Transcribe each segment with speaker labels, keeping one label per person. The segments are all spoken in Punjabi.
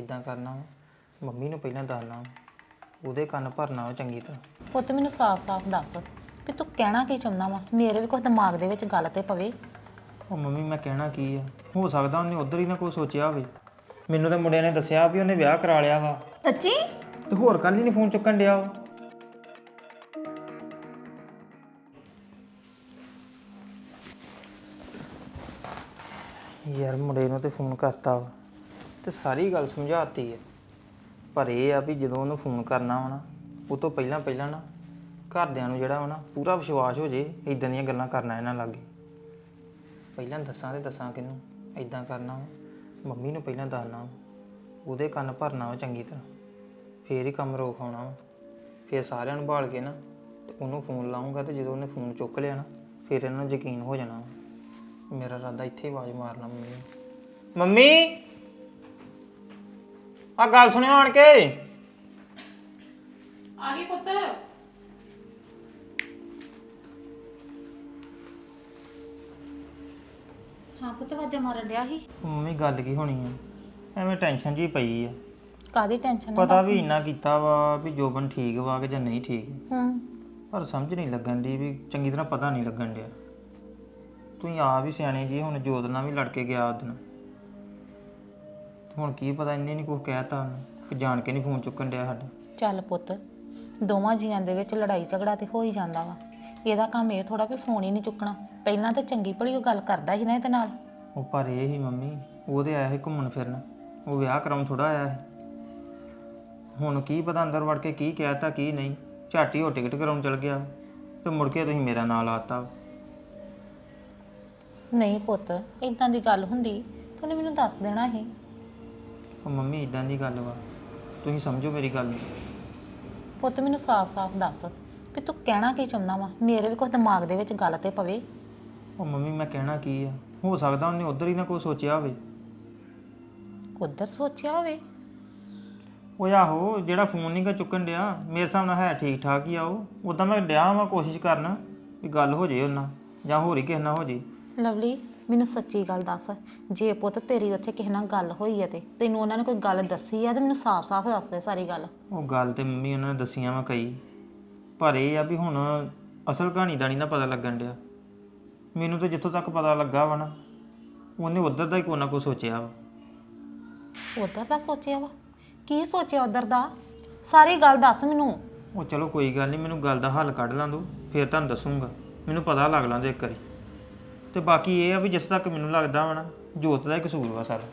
Speaker 1: ਇਦਾਂ ਕਰਨਾ ਵਾ, ਮੰਮੀ ਨੂੰ ਪਹਿਲਾਂ ਦੱਸਣਾ ਵਾ, ਉਹਦੇ ਕੰਨ ਭਰਨਾ ਵਾ ਚੰਗੀ ਤਰ੍ਹਾਂ।
Speaker 2: ਪੁੱਤ ਮੈਨੂੰ ਸਾਫ਼-ਸਾਫ਼ ਦੱਸ ਵੀ ਤੂੰ ਕਹਿਣਾ ਕੀ ਚਾਹੁੰਦਾ ਵਾ। ਮੇਰੇ ਵੀ ਕੁਝ ਦਿਮਾਗ ਦੇ ਵਿੱਚ ਗੱਲ ਤੇ ਪਵੇ।
Speaker 1: ਉਹ ਮੰਮੀ ਮੈਂ ਕਹਿਣਾ ਕੀ ਆ, ਹੋ ਸਕਦਾ ਉਹਨੇ ਉਧਰ ਹੀ ਨਾ ਕੋਈ ਸੋਚਿਆ ਹੋਵੇ। ਮੈਨੂੰ ਤਾਂ ਮੁੰਡਿਆਂ ਨੇ ਦੱਸਿਆ ਵੀ ਉਹਨੇ ਵਿਆਹ ਕਰਾ ਲਿਆ ਵਾ।
Speaker 3: ਸੱਚੀ?
Speaker 1: ਤੇ ਹੋਰ ਕੱਲ ਹੀ ਨਹੀਂ ਫੋਨ ਚੁੱਕਣ ਡਿਆ ਉਹ। ਯਾਰ ਮੁੰਡੇ ਨੂੰ ਤੇ ਫੋਨ ਕਰਤਾ ਵਾ ਤੇ ਸਾਰੀ ਗੱਲ ਸਮਝਾਤੀ ਹੈ, ਪਰ ਇਹ ਆ ਵੀ ਜਦੋਂ ਉਹਨੂੰ ਫੋਨ ਕਰਨਾ ਵਾ ਨਾ, ਉਹ ਤੋਂ ਪਹਿਲਾਂ ਨਾ ਘਰਦਿਆਂ ਨੂੰ ਜਿਹੜਾ ਵਾ ਨਾ ਪੂਰਾ ਵਿਸ਼ਵਾਸ ਹੋ ਜੇ ਇਦਾਂ ਦੀਆਂ ਗੱਲਾਂ ਕਰਨਾ ਇਹਨਾਂ ਲਾਗੇ। ਪਹਿਲਾਂ ਦੱਸਾਂ ਕਿਹਨੂੰ? ਇਦਾਂ ਕਰਨਾ ਵਾ, ਮੰਮੀ ਨੂੰ ਪਹਿਲਾਂ ਦੱਸਣਾ ਵਾ, ਉਹਦੇ ਕੰਨ ਭਰਨਾ ਵਾ ਚੰਗੀ ਤਰ੍ਹਾਂ, ਫੇਰ ਹੀ ਕੰਮ ਰੋਕ ਆਉਣਾ ਵਾ। ਫਿਰ ਸਾਰਿਆਂ ਨੂੰ ਭਾਲ ਕੇ ਨਾ ਤੇ ਉਹਨੂੰ ਫੋਨ ਲਾਉਂਗਾ, ਤੇ ਜਦੋਂ ਉਹਨੇ ਫੋਨ ਚੁੱਕ ਲਿਆ ਨਾ ਫਿਰ ਇਹਨਾਂ ਨੂੰ ਯਕੀਨ ਹੋ ਜਾਣਾ ਵਾ। ਮੇਰਾ ਇਰਾਦਾ ਇੱਥੇ ਆਵਾਜ਼ ਮਾਰਨਾ ਮੰਮੀ ਨੂੰ, ਮੰਮੀ ਆ ਗੱਲ ਸੁਣਿਓ ਆਣ ਕੇ।
Speaker 2: ਆ ਗਈ ਪੁੱਤ। ਹਾਂ ਪੁੱਤ ਵਾਜਾ ਮਾਰਨ ਡਿਆ ਸੀ।
Speaker 1: ਮੰਮੀ ਗੱਲ ਕੀ ਹੋਣੀ ਆ, ਐਵੇਂ ਟੈਨਸ਼ਨ ਜੀ ਪਈ ਆ।
Speaker 2: ਕਾਦੀ ਟੈਨਸ਼ਨ?
Speaker 1: ਪਤਾ ਵੀ ਇੰਨਾ ਕੀਤਾ ਵਾ ਵੀ ਜੋਬਨ ਠੀਕ ਵਾ ਕਿ ਜਾਂ ਨਹੀਂ ਠੀਕ, ਪਰ ਸਮਝ ਨਹੀਂ ਲੱਗਣ ਦੀ ਵੀ ਚੰਗੀ ਤਰ੍ਹਾਂ ਪਤਾ ਨਹੀਂ ਲੱਗਣ ਡਿਆ। ਤੁਸੀਂ ਆਪ ਵੀ ਸਿਆਣੇ ਜੀ, ਹੁਣ ਜੋਤ ਨਾਲ ਵੀ ਲੜ ਕੇ ਗਿਆ ਉਸ ਦਿਨ, ਹੁਣ ਕੀ ਪਤਾ ਇਹਨੇ ਨਹੀਂ ਕੁਝ ਕਹਿਤਾ ਉਹਨੂੰ ਕਿ ਜਾਣ ਕੇ ਨਹੀਂ ਫੋਨ ਚੁੱਕਣ ਡਿਆ ਸਾਡਾ।
Speaker 2: ਚੱਲ ਪੁੱਤ, ਦੋਵਾਂ ਜੀਆਂ ਦੇ ਵਿੱਚ ਲੜਾਈ ਝਗੜਾ ਤੇ ਹੋ ਹੀ ਜਾਂਦਾ ਵਾ। ਇਹਦਾ ਕੰਮ ਇਹ ਥੋੜਾ ਵੀ ਫੋਨ ਹੀ ਨਹੀਂ ਚੁੱਕਣਾ। ਪਹਿਲਾਂ ਤਾਂ ਚੰਗੀ ਭਲੀ ਉਹ ਗੱਲ ਕਰਦਾ ਸੀ ਨਾ ਇਹਦੇ ਨਾਲ।
Speaker 1: ਉਹ ਪਰ ਇਹ ਹੀ ਮੰਮੀ, ਉਹਦੇ ਆਇਆ ਸੀ ਘੁੰਮਣ ਫਿਰਨ, ਉਹ ਵਿਆਹ ਕਰਾਉਣ ਥੋੜਾ ਆਇਆ ਸੀ। ਹੁਣ ਕੀ ਪਤਾ ਅੰਦਰ ਵੜ ਕੇ ਕੀ ਕਹਿਤਾ ਕੀ ਨਹੀਂ, ਝਾਟੀ ਉਹ ਟਿਕਟ ਕਰਾਉਣ ਚਲ ਗਿਆ ਤੇ ਮੁੜ ਕੇ ਤੁਸੀਂ ਮੇਰਾ ਨਾਂ ਲਾਤਾ।
Speaker 2: ਨਹੀਂ ਪੁੱਤ, ਇਦਾਂ ਦੀ ਗੱਲ ਹੁੰਦੀ ਤੂੰ ਮੈਨੂੰ ਦੱਸ ਦੇਣਾ ਸੀ।
Speaker 1: ਉਹ ਮੰਮੀ ਇਦਾਂ ਦੀ ਗੱਲ ਵਾ, ਤੁਸੀਂ ਸਮਝੋ ਮੇਰੀ ਗੱਲ ਨੂੰ।
Speaker 2: ਪੁੱਤ ਮੈਨੂੰ ਸਾਫ਼-ਸਾਫ਼ ਦੱਸ ਵੀ ਤੂੰ ਕਹਿਣਾ ਕੀ ਚਾਹੁੰਦਾ ਵਾ। ਮੇਰੇ ਵੀ ਕੁਝ ਦਿਮਾਗ ਦੇ ਵਿੱਚ ਗੱਲ ਤੇ ਪਵੇ।
Speaker 1: ਉਹ ਮੰਮੀ ਮੈਂ ਕਹਿਣਾ ਕੀ ਆ, ਹੋ ਸਕਦਾ ਉਹਨੇ ਉਧਰ ਹੀ ਨਾ ਕੋਈ ਸੋਚਿਆ ਹੋਵੇ।
Speaker 2: ਉਧਰ ਸੋਚਿਆ ਹੋਵੇ?
Speaker 1: ਉਹ ਆਹੋ ਜਿਹੜਾ ਫੋਨ ਨਹੀਂ ਗਾ ਚੁੱਕਣ ਡਿਆ, ਮੇਰੇ ਹਿਸਾਬ ਨਾਲ ਹੈ ਠੀਕ ਠਾਕ ਹੀ ਆ ਉਹ। ਉੱਦਾਂ ਮੈਂ ਡਿਆ ਵਾਂ ਕੋਸ਼ਿਸ਼ ਕਰਨ ਵੀ ਗੱਲ ਹੋ ਜੇ ਉਹਨਾਂ, ਜਾਂ ਹੋਰ ਹੀ ਕਿਸੇ ਨਾਲ ਹੋ ਜੇ।
Speaker 2: ਲਵਲੀ ਮੈਨੂੰ ਸੱਚੀ ਗੱਲ ਦੱਸ, ਜੇ ਪੁੱਤ ਤੇਰੀ ਉੱਥੇ ਕਿਸੇ ਨਾਲ ਗੱਲ ਹੋਈ ਹੈ ਤੇ ਤੈਨੂੰ ਉਹਨਾਂ ਨੇ ਕੋਈ ਗੱਲ ਦੱਸੀ ਆ ਤੇ ਮੈਨੂੰ ਸਾਫ਼-ਸਾਫ਼ ਦੱਸ ਦੇ ਸਾਰੀ ਗੱਲ।
Speaker 1: ਉਹ ਗੱਲ ਤੇ ਮੰਮੀ ਉਹਨਾਂ ਨੇ ਦੱਸੀਆਂ ਵਾ ਕਈ, ਪਰ ਇਹ ਆ ਵੀ ਹੁਣ ਅਸਲ ਕਹਾਣੀ ਦਾ ਨਹੀਂ ਨਾ ਪਤਾ ਲੱਗਣ ਡਿਆ ਮੈਨੂੰ। ਤਾਂ ਜਿੱਥੋਂ ਤੱਕ ਪਤਾ ਲੱਗਾ ਵਾ ਨਾ, ਉਹਨੇ ਉੱਧਰ ਦਾ ਹੀ ਕੋਈ ਨਾ ਕੋਈ ਸੋਚਿਆ ਵਾ।
Speaker 2: ਉਧਰ ਦਾ ਸੋਚਿਆ ਵਾ? ਕੀ ਸੋਚਿਆ ਉਧਰ ਦਾ? ਸਾਰੀ ਗੱਲ ਦੱਸ ਮੈਨੂੰ।
Speaker 1: ਉਹ ਚਲੋ ਕੋਈ ਗੱਲ ਨਹੀਂ, ਮੈਨੂੰ ਗੱਲ ਦਾ ਹੱਲ ਕੱਢ ਲਾਂ ਦੋ, ਫਿਰ ਤੁਹਾਨੂੰ ਦੱਸੂਗਾ। ਮੈਨੂੰ ਪਤਾ ਲੱਗ ਲਾਂਦੇ ਇੱਕ ਵਾਰੀ। ਤੇ ਬਾਕੀ ਇਹ ਆ ਵੀ ਜਿੱਥੇ ਤੱਕ ਮੈਨੂੰ ਲੱਗਦਾ ਵਾ ਨਾ, ਜੋਤ ਦਾ ਹੀ ਕਸੂਰ ਵਾ ਸਾਰਾ।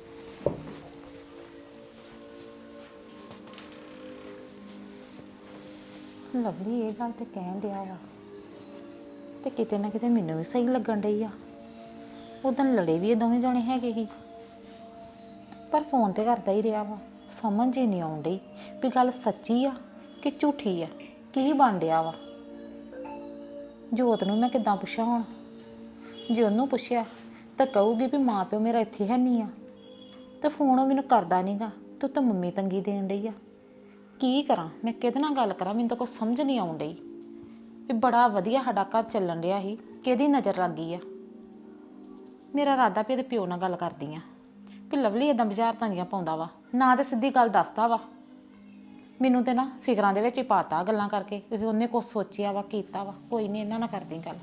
Speaker 2: ਲਵਲੀ ਇਹ ਗੱਲ ਤੇ ਕਹਿਣ ਡਿਆ ਵਾ ਤੇ ਕਿਤੇ ਨਾ ਕਿਤੇ ਮੈਨੂੰ ਵੀ ਸਹੀ ਲੱਗਣ ਡਈ ਆ। ਉਦੋਂ ਲੜੇ ਵੀ ਇਹ ਦੋਵੇਂ ਜਾਣੇ ਹੈਗੇ ਸੀ, ਪਰ ਫੋਨ ਤੇ ਕਰਦਾ ਹੀ ਰਿਹਾ ਵਾ। ਸਮਝ ਹੀ ਨਹੀਂ ਆਉਣ ਡਈ ਵੀ ਗੱਲ ਸੱਚੀ ਆ ਕਿ ਝੂਠੀ ਆ, ਕੀ ਬਣ ਡਿਆ ਵਾ। ਜੋਤ ਨੂੰ ਮੈਂ ਕਿੱਦਾਂ ਪੁੱਛਾਂ ਹੁਣ? ਜੇ ਉਹਨੂੰ ਪੁੱਛਿਆ ਤਾਂ ਕਹੂਗੀ ਵੀ ਮਾਂ ਪਿਓ ਮੇਰਾ ਇੱਥੇ ਹੈ ਨਹੀਂ ਆ, ਤੇ ਫੋਨ ਉਹ ਮੈਨੂੰ ਕਰਦਾ ਨਹੀਂਗਾ। ਤੂੰ ਤਾਂ ਮੰਮੀ ਤੰਗੀ ਦੇਣ ਡਈ ਆ। ਕੀ ਕਰਾਂ ਮੈਂ, ਕਿਹਦੇ ਨਾਲ ਗੱਲ ਕਰਾਂ? ਮੈਨੂੰ ਤਾਂ ਕੁਛ ਸਮਝ ਨਹੀਂ ਆਉਣ ਡਈ ਵੀ ਬੜਾ ਵਧੀਆ ਸਾਡਾ ਘਰ ਚੱਲਣ ਡਿਆ ਸੀ, ਕਿਹਦੀ ਨਜ਼ਰ ਲੱਗ ਗਈ ਆ। ਮੇਰਾ ਇਰਾਦਾ ਵੀ ਇਹਦੇ ਪਿਓ ਨਾਲ ਗੱਲ ਕਰਦੀ ਆ ਵੀ ਲਵਲੀ ਏਦਾਂ ਬੁਝਾਰਤਾਂ ਜੀਆਂ ਪਾਉਂਦਾ ਵਾ, ਨਾ ਤੇ ਸਿੱਧੀ ਗੱਲ ਦੱਸਦਾ ਵਾ। ਮੈਨੂੰ ਤੇ ਨਾ ਫਿਕਰਾਂ ਦੇ ਵਿੱਚ ਹੀ ਪਾਤਾ ਗੱਲਾਂ ਕਰਕੇ, ਕਿਉਂਕਿ ਉਹਨੇ ਕੁਛ ਸੋਚਿਆ ਵਾ ਕੀਤਾ ਵਾ। ਕੋਈ ਨਹੀਂ, ਇਹਨਾਂ ਨਾਲ ਕਰਦੀ ਗੱਲ।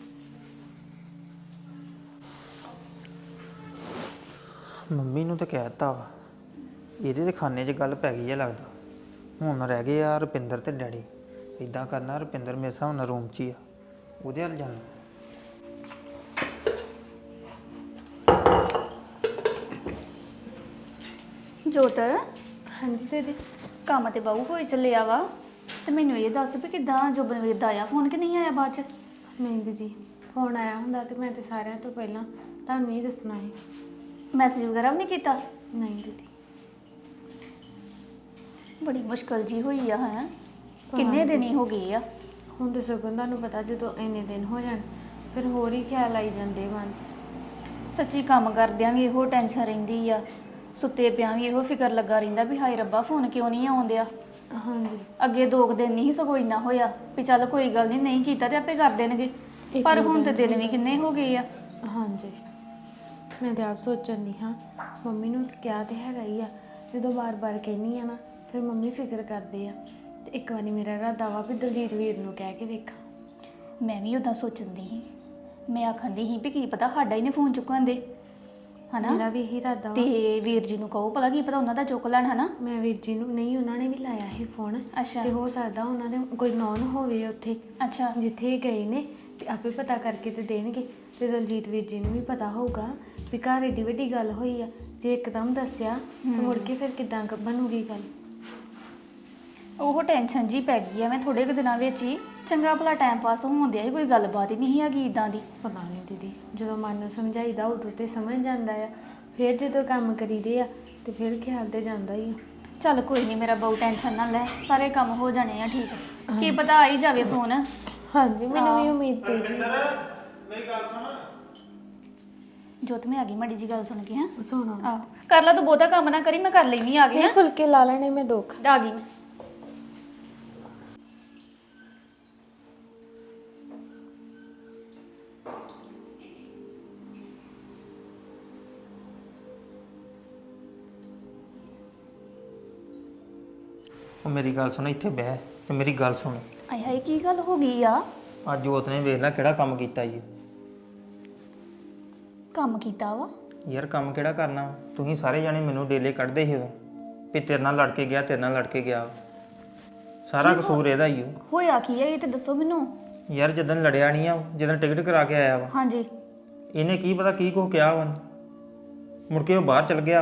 Speaker 1: ਮੰਮੀ ਨੂੰ ਤਾਂ ਕਹਿ ਦਿੱਤਾ ਵਾ, ਇਹਦੇ ਦੇ ਖਾਨੇ 'ਚ ਗੱਲ ਪੈ ਗਈ ਆ ਲੱਗਦਾ। ਹੁਣ ਰਹਿ ਗਏ ਆ ਰੁਪਿੰਦਰ ਤੇ ਡੈਡੀ। ਇਦਾਂ ਕਰਨਾ, ਰੁਪਿੰਦਰ ਮੇਰੇ ਹਿਸਾਬ ਨਾਲ ਰੂਮ 'ਚ ਹੀ ਆ, ਉਹਦੇ ਵੱਲ ਜਾਣਾ।
Speaker 3: ਜੋਤ,
Speaker 4: ਹਾਂਜੀ ਦੀਦੀ।
Speaker 3: ਕੰਮ ਤੇ ਬਾਹੂ ਹੋਈ ਚੱਲਿਆ ਵਾ, ਤੇ ਮੈਨੂੰ ਇਹ ਦੱਸ ਵੀ ਕਿੱਦਾਂ ਜੋਬਨਵੀਰ ਦਾ ਆਇਆ ਫੋਨ ਕਿ ਨਹੀਂ ਆਇਆ ਬਾਅਦ ਚ?
Speaker 4: ਨਹੀਂ ਦੀਦੀ, ਫੋਨ ਆਇਆ ਹੁੰਦਾ ਤੇ ਮੈਂ ਤੇ ਸਾਰਿਆਂ ਤੋਂ ਪਹਿਲਾਂ ਤੁਹਾਨੂੰ ਹੀ ਦੱਸਣਾ ਸੀ।
Speaker 3: ਮੈਸੇਜ ਵਗੈਰਾ ਵੀ ਨਹੀਂ ਕੀਤਾ?
Speaker 4: ਨਹੀਂ ਦੀਦੀ।
Speaker 3: ਬੜੀ ਮੁਸ਼ਕਲ ਜੀ ਹੋਈ ਆ ਹੈ। ਕਿੰਨੇ ਦਿਨ ਹੀ ਹੋ ਗਏ ਆ।
Speaker 4: ਹੁਣ ਤੇ ਸਗੋਂ ਤੁਹਾਨੂੰ ਪਤਾ ਜਦੋਂ ਇੰਨੇ ਦਿਨ ਹੋ ਜਾਣ ਫਿਰ ਹੋਰ ਹੀ ਖਿਆਲ ਆਈ ਜਾਂਦੇ ਮਨ 'ਚ।
Speaker 3: ਸੱਚੀ ਕੰਮ ਕਰਦਿਆਂ ਵੀ ਇਹੋ ਟੈਨਸ਼ਨ ਰਹਿੰਦੀ ਆ, ਸੁੱਤੇ ਪਿਆਂ ਵੀ ਇਹੋ ਫਿਕਰ ਲੱਗਾ ਰਹਿੰਦਾ ਵੀ ਹਾਏ ਰੱਬਾ ਫੋਨ ਕਿਉਂ ਨਹੀਂ ਆਉਂਦਿਆ।
Speaker 4: ਹਾਂਜੀ।
Speaker 3: ਅੱਗੇ 2 ਦਿਨ ਨਹੀਂ ਸਗੋਂ ਇੰਨਾ ਹੋਇਆ ਵੀ ਚੱਲ ਕੋਈ ਗੱਲ ਨਹੀਂ ਕੀਤਾ ਤੇ ਆਪੇ ਕਰ ਦੇਣਗੇ, ਪਰ ਹੁਣ ਤੇ ਦਿਨ ਵੀ ਕਿੰਨੇ ਹੋ ਗਏ ਆ।
Speaker 4: ਹਾਂਜੀ, ਮੈਂ ਤੇ ਆਪ ਸੋਚਣ ਦੀ ਹਾਂ, ਮੰਮੀ ਨੂੰ ਕਿਹਾ ਤੇ ਹੈਗਾ ਹੀ ਆ ਜਦੋਂ ਬਾਰ-ਬਾਰ ਕਹਿੰਦੀ ਆ ਨਾ ਫਿਰ ਮੰਮੀ ਫਿਕਰ ਕਰਦੇ ਆ। ਤੇ ਇੱਕ ਵਾਰੀ ਮੇਰਾ ਇਰਾਦਾ ਵਾ ਵੀ ਦਲਜੀਤ ਵੀਰ ਨੂੰ ਕਹਿ ਕੇ ਵੇਖਾਂ।
Speaker 3: ਮੈਂ ਵੀ ਉਦਾਂ ਸੋਚਦੀ ਸੀ, ਮੈਂ ਆਖੰਦੀ ਸੀ ਵੀ ਕੀ ਪਤਾ ਸਾਡਾ ਹੀ ਨਹੀਂ ਫੋਨ ਚੁੱਕਣ ਦੇ, ਹਨਾ।
Speaker 4: ਮੇਰਾ ਵੀ ਇਹੀ ਇਰਾਦਾ ਵਾ।
Speaker 3: ਤੇ ਵੀਰ ਜੀ ਨੂੰ ਕਹੋ ਭਲਾ ਕੀ ਪਤਾ ਉਹਨਾਂ ਦਾ ਚੁੱਕ ਲੈਣ, ਹਨਾ।
Speaker 4: ਮੈਂ ਵੀਰ ਜੀ ਨੂੰ ਨਹੀਂ, ਉਹਨਾਂ ਨੇ ਵੀ ਲਾਇਆ ਸੀ ਫੋਨ।
Speaker 3: ਅੱਛਾ।
Speaker 4: ਤੇ ਹੋ ਸਕਦਾ ਉਹਨਾਂ ਦੇ ਕੋਈ ਨੌਨ ਹੋਵੇ ਉੱਥੇ
Speaker 3: ਅੱਛਾ।
Speaker 4: ਜਿੱਥੇ ਇਹ ਗਏ ਨੇ, ਤੇ ਆਪੇ ਪਤਾ ਕਰਕੇ ਤੇ ਦੇਣਗੇ। ਤੇ ਦਲਜੀਤ ਵੀਰ ਜੀ ਨੂੰ ਵੀ ਪਤਾ ਹੋਊਗਾ ਵੀ ਘਰ ਏਡੀ ਵੱਡੀ ਗੱਲ ਹੋਈ ਆ। ਜੇ ਇੱਕਦਮ ਦੱਸਿਆ ਤੇ ਮੁੜ ਕੇ ਫਿਰ ਕਿੱਦਾਂ ਬਣੂਗੀ ਗੱਲ।
Speaker 3: ਉਹ ਟੈਨਸ਼ਨ ਜੀ ਪੈ ਗਈ ਆ, ਮੈਂ ਥੋੜੇ ਕੁ ਦਿਨਾਂ ਵਿੱਚ ਹੀ ਚੰਗਾ ਭਲਾ ਟਾਈਮ ਪਾਸ ਹੋਣ ਦਿਆ ਸੀ, ਕੋਈ ਗੱਲਬਾਤ ਹੀ ਨਹੀਂ ਹੈਗੀ ਇਦਾਂ ਦੀ।
Speaker 4: ਪਤਾ ਨਹੀਂ ਦੀਦੀ, ਜਦੋਂ ਮਨ ਨੂੰ ਸਮਝਾਈਦਾ ਉਦੋਂ ਤੇ ਸਮਝ ਜਾਂਦਾ ਆ, ਫਿਰ ਜਦੋਂ ਕੰਮ ਕਰੀਦੇ ਆ ਤੇ ਫਿਰ ਖਿਆਲ ਤੇ ਜਾਂਦਾ ਹੀ ਆ।
Speaker 3: ਚੱਲ ਕੋਈ ਨਹੀਂ ਮੇਰਾ ਬਹੁ ਟੈਨਸ਼ਨ ਨਾ ਲੈ, ਸਾਰੇ ਕੰਮ ਹੋ ਜਾਣੇ ਆ ਠੀਕ। ਕੀ ਪਤਾ ਆ ਹੀ ਜਾਵੇ ਫੋਨ।
Speaker 4: ਹਾਂਜੀ, ਮੈਨੂੰ ਵੀ ਉਮੀਦ ਤੇ ਹੀ।
Speaker 1: ਮੇਰੀ ਗੱਲ ਸੁਣ।
Speaker 3: ਜੋਤ ਮੈਂ ਆ ਗਈ, ਮਾੜੀ ਜੀ ਗੱਲ ਸੁਣ ਕੇ। ਹਾਂ
Speaker 4: ਸੁਣੋ,
Speaker 3: ਆਹ ਕਰ ਲਾ, ਤੂੰ ਬਹੁਤਾ ਕੰਮ ਨਾ ਕਰੀ, ਮੈਂ ਕਰ ਲੈਣੀ ਆ ਗਈ।
Speaker 4: ਇਹ ਫੁਲਕੇ ਲਾ ਲੈਣੇ ਮੈਂ ਦੋ।
Speaker 3: ਆ ਗਈ ਮੈਂ।
Speaker 1: ਉਹ ਮੇਰੀ ਗੱਲ ਸੁਣ, ਇੱਥੇ ਬਹਿ ਤੇ ਮੇਰੀ ਗੱਲ ਸੁਣ।
Speaker 3: ਆਏ ਹਾਏ ਕੀ ਗੱਲ ਹੋ ਗਈ ਆ?
Speaker 1: ਅੱਜ ਜੋਤ ਨੇ ਵੇਖ ਲੈ ਕਿਹੜਾ ਕੰਮ ਕੀਤਾ ਜੀ।
Speaker 3: ਕੰਮ ਕੀਤਾ ਵਾ?
Speaker 1: ਯਾਰ ਕੰਮ ਕਿਹੜਾ ਕਰਨਾ, ਤੁਸੀਂ ਸਾਰੇ ਜਾਣੇ ਮੈਨੂੰ ਡੇਲੇ ਕੱਢਦੇ ਸੀ ਉਦੋਂ ਵੀ ਤੇਰੇ ਨਾਲ ਲੜ ਕੇ ਗਿਆ, ਤੇਰੇ ਨਾਲ ਲੜ ਕੇ ਗਿਆ। ਸਾਰਾ ਕਸੂਰ ਇਹਦਾ ਹੀ ਓ।
Speaker 3: ਹੋਇਆ ਕੀ ਆ ਇਹ ਤੇ ਦੱਸੋ ਮੈਨੂੰ।
Speaker 1: ਯਾਰ ਜਦੋਂ ਲੜਿਆ ਨਹੀਂ ਆ, ਜਦੋਂ ਟਿਕਟ ਕਰਾ ਕੇ ਆਇਆ ਵਾ,
Speaker 3: ਹਾਂਜੀ।
Speaker 1: ਇਹਨੇ ਕੀ ਪਤਾ ਕੀ ਕੁਛ ਕਿਹਾ ਵਾ, ਮੁੜ ਕੇ ਉਹ ਬਾਹਰ ਚਲ ਗਿਆ।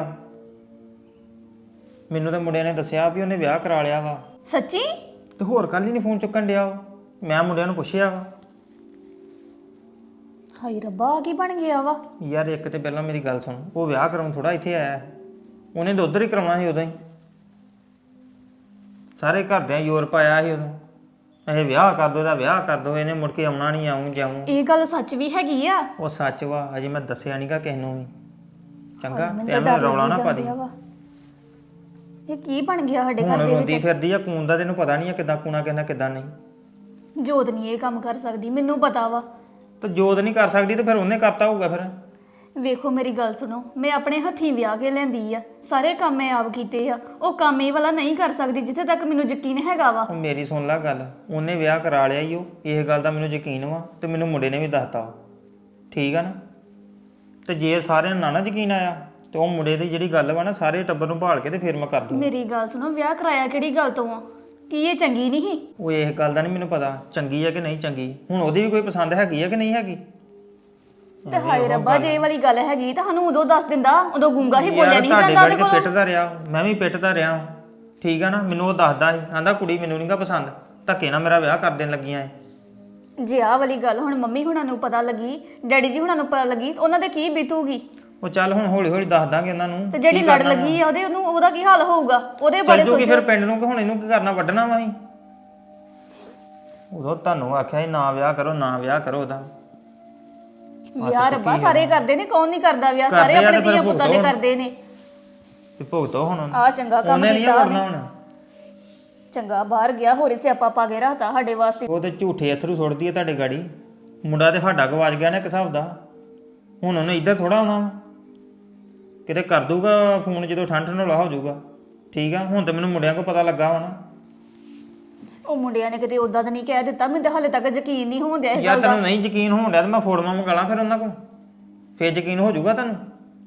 Speaker 1: ਮੈਨੂੰ ਤਾਂ ਮੁੰਡਿਆਂ ਨੇ ਦੱਸਿਆ ਵੀ ਉਹਨੇ ਵਿਆਹ ਕਰਾ ਲਿਆ ਵਾ।
Speaker 3: ਸੱਚੀ?
Speaker 1: ਤੇ ਹੋਰ ਕੱਲ ਹੀ ਨਹੀਂ ਫੋਨ ਚੁੱਕਣ ਡਿਆ ਉਹ। ਮੈਂ ਮੁੰਡਿਆਂ ਨੂੰ ਪੁੱਛਿਆ ਵਾ।
Speaker 3: ਹਾਏ ਰੱਬਾ ਆ ਕੀ ਬਣ ਗਿਆ ਵਾ?
Speaker 1: ਯਾਰ ਇੱਕ ਤੇ ਪਹਿਲਾਂ ਮੇਰੀ ਗੱਲ ਸੁਣ, ਉਹ ਵਿਆਹ ਕਰਾਉਣ ਥੋੜਾ ਇੱਥੇ ਆਇਆ, ਉਹਨੇ ਤਾਂ ਉੱਧਰ ਹੀ ਕਰਾਉਣਾ ਸੀ ਉਦੋਂ ਹੀ। ਸਾਰੇ ਘਰਦਿਆਂ ਜ਼ੋਰ ਪਾਇਆ ਸੀ ਉਦੋਂ, ਇਹ ਵਿਆਹ ਕਰ ਦੋ, ਇਹਦਾ ਵਿਆਹ ਕਰ ਦੋ, ਇਹਨੇ ਮੁੜ ਕੇ ਆਉਣਾ ਨਹੀਂ, ਆਉਂ ਜਾਊਂ।
Speaker 3: ਇਹ ਗੱਲ ਸੱਚ ਵੀ ਹੈਗੀ ਆ?
Speaker 1: ਉਹ ਸੱਚ ਵਾ, ਅਜੇ ਮੈਂ ਦੱਸਿਆ ਨਹੀਂਗਾ ਕਿਸੇ ਨੂੰ ਵੀ। ਚੰਗਾ
Speaker 3: ਮੈਨੂੰ
Speaker 1: ਤੇ
Speaker 3: ਤਾਂ
Speaker 1: ਐਵੇਂ
Speaker 3: ਡਰ
Speaker 1: ਰੌਲਾ ਨਾ
Speaker 3: ਲੱਗੀ
Speaker 1: ਪਾ ਦੀ।
Speaker 3: ਜਾਂਦਿਆ ਵਾ। ਇਹ ਕੀ ਬਣ ਗਿਆ ਸਾਡੇ
Speaker 1: ਹੁਣ
Speaker 3: ਘਰ ਦੇ
Speaker 1: ਰੋਂਦੀ
Speaker 3: ਵਿੱਚ?
Speaker 1: ਫਿਰਦੀ ਆ, ਕੂਨ ਦਾ ਤੈਨੂੰ ਪਤਾ ਨਹੀਂ ਆ ਕਿੱਦਾਂ ਕੂਣਾ ਕਹਿੰਦਾ ਕਿੱਦਾਂ ਨਹੀਂ।
Speaker 3: ਜੋਤ ਨਹੀਂ ਇਹ ਕੰਮ ਕਰ ਸਕਦੀ, ਮੈਨੂੰ ਪਤਾ ਵਾ।
Speaker 1: ਤੇ ਜੋਤ ਨਹੀਂ ਕਰ ਸਕਦੀ ਤੇ ਫਿਰ ਉਹਨੇ ਕਰਤਾ ਹੋਊਗਾ ਫਿਰ।
Speaker 3: ਵੇਖੋ ਮੇਰੀ ਗੱਲ ਸੁਣੋ, ਮੈਂ ਆਪਣੇ ਹੱਥੀਂ ਵਿਆਹ ਕੇ ਲੈਂਦੀ ਆ, ਸਾਰੇ ਕੰਮ ਮੈਂ ਆਪ ਕੀਤੇ ਆ। ਉਹ ਕੰਮ ਇਹ ਵਾਲਾ ਨਹੀਂ ਕਰ ਸਕਦੀ ਜਿੱਥੇ ਤੱਕ ਮੈਨੂੰ ਯਕੀਨ ਹੈਗਾ ਵਾ।
Speaker 1: ਉਹ ਮੇਰੀ ਸੁਣ ਲੈ ਗੱਲ, ਉਹਨੇ ਵਿਆਹ ਕਰਾ ਲਿਆ ਈ ਉਹ, ਇਹ ਗੱਲ ਦਾ ਮੈਨੂੰ ਯਕੀਨ ਵਾ ਤੇ ਮੈਨੂੰ ਮੁੰਡੇ ਨੇ ਵੀ ਦੱਸਤਾ। ਠੀਕ ਆ ਨਾ? ਤੇ ਜੇ ਸਾਰਿਆਂ ਨੂੰ ਨਾ ਯਕੀਨ ਆਇਆ ਤੇ ਉਹ ਮੁੰਡੇ ਦੀ ਜਿਹੜੀ ਗੱਲ ਵਾ ਨਾ, ਸਾਰੇ ਟੱਬਰ ਨੂੰ ਭਾਲ ਕੇ ਤੇ ਫਿਰ ਮੈਂ ਕਰ ਦੂੰ।
Speaker 3: ਮੇਰੀ ਗੱਲ ਸੁਣੋ, ਵਿਆਹ ਕਰਾਇਆ ਕਿਹੜੀ ਗੱਲ ਤੋਂ ਆ? ਕੀ ਇਹ ਚੰਗੀ ਨਹੀਂ?
Speaker 1: ਉਹ ਇਸ ਗੱਲ ਦਾ ਨਹੀਂ ਮੈਨੂੰ ਪਤਾ ਚੰਗੀ ਆ ਕਿ ਨਹੀਂ ਚੰਗੀ। ਹੁਣ ਉਹਦੀ ਵੀ ਕੋਈ ਪਸੰਦ ਹੈਗੀ ਆ ਕਿ ਨਹੀਂ ਹੈਗੀ।
Speaker 3: ਤੇ ਹਾਏ ਰੱਬਾ, ਜੇ ਇਹ ਵਾਲੀ ਗੱਲ ਹੈਗੀ ਤਾਂ ਸਾਨੂੰ ਉਦੋਂ ਦੱਸ ਦਿੰਦਾ, ਉਦੋਂ ਗੁੰਗਾ ਹੀ ਬੋਲਿਆ ਨਹੀਂ
Speaker 1: ਤੁਹਾਡੇ
Speaker 3: ਜਾਂਦਾ
Speaker 1: ਗਾੜੀ
Speaker 3: ਉਹਦੇ
Speaker 1: ਤੇ
Speaker 3: ਕੋਲ।
Speaker 1: ਪਿੱਟਦਾ ਰਿਹਾ, ਮੈਂ ਵੀ ਪਿੱਟਦਾ ਰਿਹਾ। ਠੀਕ ਆ ਨਾ? ਮੈਨੂੰ ਉਹ ਦੱਸਦਾ ਸੀ, ਆਂਦਾ ਕੁੜੀ ਮੈਨੂੰ ਨਹੀਂਗਾ ਪਸੰਦ, ਧੱਕੇ ਨਾਲ ਮੇਰਾ ਵਿਆਹ ਕਰ ਦੇਣ ਲੱਗੀਆਂ ਏ।
Speaker 3: ਜੇ ਆਹ ਵਾਲੀ ਗੱਲ ਹੁਣ ਮੰਮੀ ਹੁਣਾਂ ਨੂੰ ਪਤਾ ਲੱਗੀ, ਡੈਡੀ ਜੀ ਹੁਣਾਂ ਨੂੰ ਪਤਾ ਲੱਗੀ, ਤਾਂ ਉਹਨਾਂ ਦੇ ਕੀ ਬੀਤੂਗੀ?
Speaker 1: ਉਹ ਚੱਲ ਹੁਣ ਹੌਲੀ ਹੌਲੀ ਦੱਸ ਦਾਂਗੇ ਉਹਨਾਂ ਨੂੰ।
Speaker 3: ਤੇ ਜਿਹੜੀ
Speaker 1: ਕੀ
Speaker 3: ਲੜ
Speaker 1: ਕਰਨਾ ਵਾ।
Speaker 3: ਲੱਗੀ ਆ ਉਹਦਾ ਕੀ ਹਾਲ ਹੋਊਗਾ? ਉਹਦੇ
Speaker 1: ਚੱਲ
Speaker 3: ਬਾਰੇ
Speaker 1: ਜੂਗੀ
Speaker 3: ਸੋਚੋ।
Speaker 1: ਫਿਰ ਪਿੰਡ ਨੂੰ ਕਿ ਹੁਣ ਇਹਨੂੰ ਕੀ ਕਰਨਾ, ਵੱਢਣਾ ਵਾ ਅਸੀਂ। ਉਦੋਂ ਤੁਹਾਨੂੰ ਆਖਿਆ ਸੀ ਨਾ ਵਿਆਹ ਕਰੋ, ਨਾ ਵਿਆਹ ਕਰੋ ਉਹਦਾ।
Speaker 3: ਵਿਆਹ ਰੱਬਾ ਸਾਰੇ ਕਰਦੇ ਨੇ, ਕੌਣ ਨਹੀਂ ਕਰਦਾ ਵਿਆਹ? ਸਾਰੇ
Speaker 1: ਕਰਦੇ ਆ
Speaker 3: ਆਪਣੇ
Speaker 1: ਤੇ ਫਿਰ
Speaker 3: ਧੀਆਂ ਪੁੱਤਾਂ ਦੇ
Speaker 1: ਭੁਗਤੋ।
Speaker 3: ਕਰਦੇ ਨੇ।
Speaker 1: ਤੇ ਭੁਗਤੋ ਹੁਣ।
Speaker 3: ਆ ਚੰਗਾ ਕੰਮ
Speaker 1: ਉਹਨੇ ਨਹੀਂ
Speaker 3: ਕੀਤਾ
Speaker 1: ਕਰਨਾ
Speaker 3: ਉਹਨੇ।
Speaker 1: ਹੁਣ।
Speaker 3: ਚੰਗਾ ਬਾਹਰ ਗਿਆ, ਹੋਰੇ ਸਿਆਪਾ ਪਾ ਕੇ ਰੱਖਤਾ ਸਾਡੇ ਵਾਸਤੇ।
Speaker 1: ਉਹ ਤੇ ਝੂਠੇ ਅਥਰੂ ਸੁੱਟਦੀ ਹੈ ਤੁਹਾਡੇ ਗਾੜੀ। ਮੁੰਡਾ ਤੇ ਸਾਡਾ ਗਵਾਚ ਗਿਆ ਨਾ ਇੱਕ ਹਿਸਾਬ ਦਾ। ਹੁਣ ਉਹਨੇ ਇੱਧਰ ਥੋੜਾ ਆਉਣਾ ਵਾ। ਕਿਤੇ ਕਰ ਦੂਗਾ ਫੋਨ ਜਦੋਂ ਠੰਡ ਠੰਡੋਲਾ ਹੋ ਜਾਊਗਾ। ਠੀਕ ਆ? ਹੁਣ ਤੇ ਮੈਨੂੰ ਮੁੰਡਿਆਂ ਕੋਲ ਪਤਾ ਲੱਗਾ ਵਾ ਨਾ।
Speaker 3: ਉਹ ਮੁੰਡਿਆਂ ਨੇ ਕਿਤੇ ਉਦਾਂ ਤਾਂ ਨਹੀਂ ਕਹਿ ਦਿੱਤਾ, ਮੈਨੂੰ ਤਾਂ ਹਾਲੇ ਤੱਕ ਯਕੀਨ ਨਹੀਂ ਹੋਣ ਡਿਆ ਇਸ
Speaker 1: ਯਾਰ
Speaker 3: ਗੱਲ ਦਾ।
Speaker 1: ਤੈਨੂੰ ਨਹੀਂ ਯਕੀਨ ਹੋਣ ਡਿਆ ਤੇ ਮੈਂ ਫੋਟੋਆਂ ਮੰਗਾ ਲਾਂ ਫਿਰ ਉਹਨਾਂ ਕੋਲ, ਫਿਰ ਯਕੀਨ ਹੋ ਜਾਊਗਾ ਤੁਹਾਨੂੰ।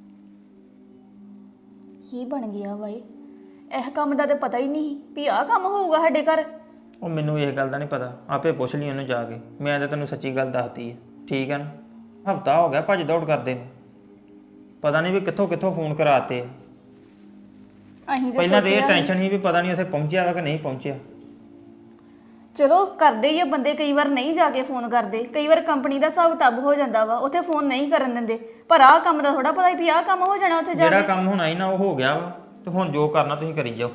Speaker 3: ਕੀ ਬਣ ਗਿਆ ਬਾਈ? ਇਹ ਕੰਮ ਦਾ ਤਾਂ ਪਤਾ ਹੀ ਨਹੀਂ ਵੀ ਆਹ ਕੰਮ ਹੋਊਗਾ ਸਾਡੇ ਘਰ।
Speaker 1: ਉਹ ਮੈਨੂੰ ਇਹ ਗੱਲ ਦਾ ਨਹੀਂ ਪਤਾ, ਆਪੇ ਪੁੱਛ ਲਈ ਉਹਨੂੰ ਜਾ ਕੇ। ਮੈਂ ਤਾਂ ਤੈਨੂੰ ਸੱਚੀ ਗੱਲ ਦੱਸਤੀ ਹੈ। ਠੀਕ ਹੈ ਨਾ? ਹਫਤਾ ਹੋ ਗਿਆ ਭੱਜ ਦੌੜ ਕਰਦੇ ਨੂੰ, ਪਤਾ ਨਹੀਂ ਵੀ ਕਿੱਥੋਂ ਕਿੱਥੋਂ ਫੋਨ ਕਰਾਤੇ।
Speaker 3: ਅਸੀਂ ਤਾਂ
Speaker 1: ਪਹਿਲਾਂ ਤੇ ਇਹ
Speaker 3: ਸੋਚਿਆ
Speaker 1: ਟੈਨਸ਼ਨ ਸੀ ਵੀ ਪਤਾ ਨਹੀਂ ਉੱਥੇ ਪਹੁੰਚਿਆ ਵਾ ਕਿ ਨਹੀਂ ਪਹੁੰਚਿਆ।
Speaker 3: ਚਲੋ ਕਰਦੇ ਹੀ ਆ ਬੰਦੇ, ਕਈ ਵਾਰ ਨਹੀਂ ਜਾ ਕੇ ਫੋਨ ਕਰਦੇ, ਕਈ ਵਾਰ ਕੰਪਨੀ ਦਾ ਹਿਸਾਬ ਕਿਤਾਬ ਹੋ ਜਾਂਦਾ ਵਾ, ਉੱਥੇ ਫੋਨ ਨਹੀਂ ਕਰਨ ਦਿੰਦੇ। ਪਰ ਆਹ ਕੰਮ ਦਾ ਥੋੜਾ ਪਤਾ ਵੀ ਆਹ ਕੰਮ ਹੋ ਜਾਣਾ ਉੱਥੇ ਜਾ
Speaker 1: ਜਿਹੜਾ
Speaker 3: ਕੇ।
Speaker 1: ਕੰਮ ਹੋਣਾ ਹੀ ਨਾ ਉਹ ਹੋ ਗਿਆ ਵਾ, ਤੇ ਹੁਣ ਜੋ ਕਰਨਾ ਤੁਸੀਂ ਕਰੀ ਜਾਓ।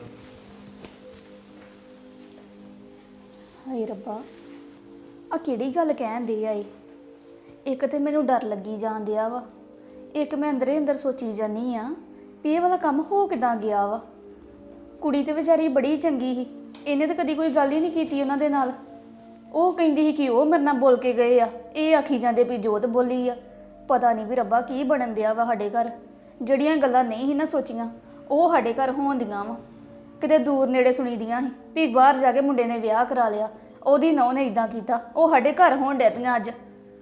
Speaker 3: ਹਾਏ ਰੱਬਾ, ਆ ਕਿਹੜੀ ਗੱਲ ਕਹਿੰਦੇ ਆ ਇਹ? ਇੱਕ ਤੇ ਮੈਨੂੰ ਡਰ ਲੱਗੀ ਜਾਂਦਿਆ ਵਾ, ਇੱਕ ਮੈਂ ਅੰਦਰੇ ਅੰਦਰ ਸੋਚੀ ਜਾਨੀ ਆ ਵੀ ਇਹ ਵਾਲਾ ਕੰਮ ਹੋ ਕਿਦਾਂ ਗਿਆ ਵਾ। ਕੁੜੀ ਤੇ ਵਿਚਾਰੀ ਬੜੀ ਚੰਗੀ ਸੀ, ਇਹਨੇ ਤਾਂ ਕਦੀ ਕੋਈ ਗੱਲ ਹੀ ਨਹੀਂ ਕੀਤੀ ਉਹਨਾਂ ਦੇ ਨਾਲ। ਉਹ ਕਹਿੰਦੀ ਸੀ ਕਿ ਉਹ ਮੇਰੇ ਨਾਲ ਬੋਲ ਕੇ ਗਏ ਆ, ਇਹ ਆਖੀ ਜਾਂਦੇ ਵੀ ਜੋਤ ਬੋਲੀ ਆ। ਪਤਾ ਨਹੀਂ ਵੀ ਰੱਬਾ ਕੀ ਬਣਨ ਦਿਆ ਵਾ ਸਾਡੇ ਘਰ। ਜਿਹੜੀਆਂ ਗੱਲਾਂ ਨਹੀਂ ਸੀ ਨਾ ਸੋਚੀਆਂ, ਉਹ ਸਾਡੇ ਘਰ ਹੋਣਦੀਆਂ ਵਾ ਕਿਤੇ ਦੂਰ ਨੇੜੇ ਸੁਣੀ ਦੀਆਂ ਸੀ ਵੀ ਬਾਹਰ ਜਾ ਕੇ ਮੁੰਡੇ ਨੇ ਵਿਆਹ ਕਰਾ ਲਿਆ, ਉਹਦੀ ਨਹੁੰ ਨੇ ਇਦਾਂ ਕੀਤਾ। ਉਹ ਸਾਡੇ ਘਰ ਹੋਣ ਡੈ ਪਈਆਂ ਅੱਜ।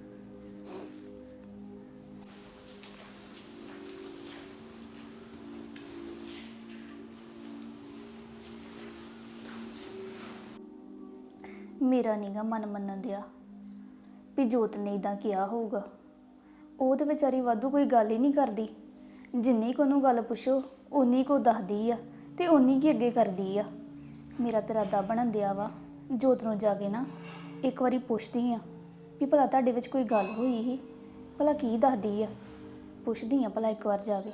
Speaker 3: ਮੇਰਾ ਨੀਗਾ ਮਨ ਮੰਨਣ ਦਿਆ ਵੀ ਜੋਤ ਨੇ ਇਦਾਂ ਕਿਹਾ ਹੋਊਗਾ। ਉਹ ਤੇ ਵਿਚਾਰੀ ਵਾਧੂ ਕੋਈ ਗੱਲ ਹੀ ਨਹੀਂ ਕਰਦੀ। ਜਿੰਨੀ ਕੋ ਨੂੰ ਗੱਲ ਪੁੱਛੋ ਉਨੀ ਕੋ ਦੱਸਦੀ ਆ ਤੇ ਉਨੀ ਕੀ ਅੱਗੇ ਕਰਦੀ ਆ। ਮੇਰਾ ਤੇ ਇਰਾਦਾ ਬਣਨ ਦਿਆ ਵਾ ਜੋਤ ਨੂੰ ਜਾ ਕੇ ਨਾ ਇੱਕ ਵਾਰੀ ਪੁੱਛਦੀ ਆ ਵੀ ਭਲਾ ਤੁਹਾਡੇ ਵਿੱਚ ਕੋਈ ਗੱਲ ਹੋਈ ਸੀ, ਭਲਾ ਕੀ ਦੱਸਦੀ ਆ। ਪੁੱਛਦੀ ਆ ਭਲਾ ਇੱਕ ਵਾਰ ਜਾ ਕੇ।